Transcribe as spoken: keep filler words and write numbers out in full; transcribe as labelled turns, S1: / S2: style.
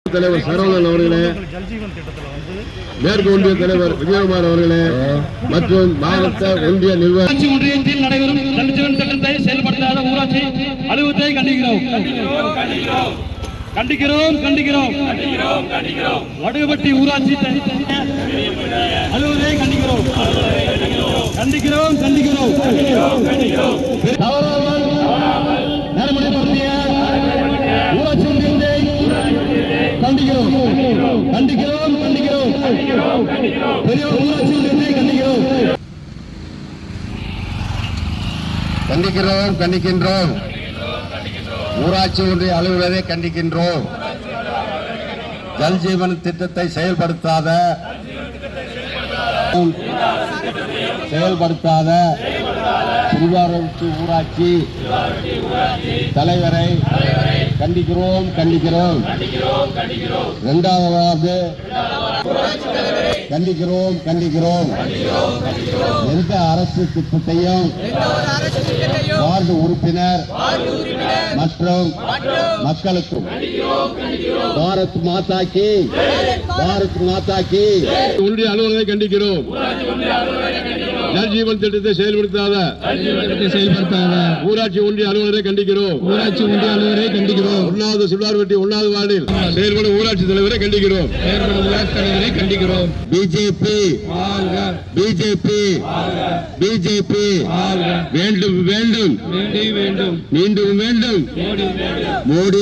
S1: தலைவர் சரவணன் அவர்களே, மேற்கு ஒன்றிய தலைவர் விஜயகுமார் அவர்களே மற்றும் மாவட்ட ஒன்றிய நிர்வாக
S2: ஒன்றியத்தில் நடைபெறும் ஜல் ஜீவன் திட்டத்தை செயல்படுத்தாத ஊராட்சி அலுவலகத்தை கண்டிக்கிறோம் கண்டிக்கிறோம் கண்டிக்கிறோம் வடுகப்பட்டி ஊராட்சி அலுவலகத்தை கண்டிக்கிறோம் கண்டிக்கிறோம் கண்டிக்கிறோம் தவறாமல் நடைமுறைப்படுத்திய ஊராட்சி ஒன்றியத்தை கண்டிக்கிறோம் கண்டிக்கிறோம் கண்டிக்கிறோம் பெரியோர் ஊராட்சி ஒன்றியத்தை கண்டிக்கிறோம்
S1: கண்டிக்கிறோம் கண்டிக்கின்றோம் ஊராட்சி ஒன்றிய அலுவலரை கண்டிக்கின்றோம். ஜல் ஜீவன் திட்டத்தை செயல்படுத்தாத செயல்படுத்தாத திருவாரூர் ஊராட்சி தலைவரை கண்டிக்கிறோம் கண்டிக்கிறோம் இரண்டாவது கண்டிக்கிறோம் கண்டிக்கிறோம் எந்த அரசு திட்டத்தையும் வார்டு உறுப்பினர் மற்றும் மக்களுக்கும் பாரத் மாதா கி பாரத் மாதா கி ஒன்றிய அலுவலரை கண்டிக்கிறோம். ஜல் ஜீவன் திட்டத்தை செயல்படுத்தாத செயல்படுத்தாத ஊராட்சி ஒன்றிய அலுவலரை கண்டிக்கிறோம். ஊராட்சி ஒன்றிய அலுவலரை கண்டிக்கிறோம். ஒன்னாவது சுள்ளார்பட்டி ஒன்னாவது வார்டில் செயல்படும் ஊராட்சி தலைவரை கண்டிக்கிறோம். செயல்படும் ஊராட்சி தலைவரை கண்டிக்கிறோம். பிஜேபி பிஜேபி பிஜேபி வேண்டும் வேண்டும் மீண்டும் வேண்டும் மோடி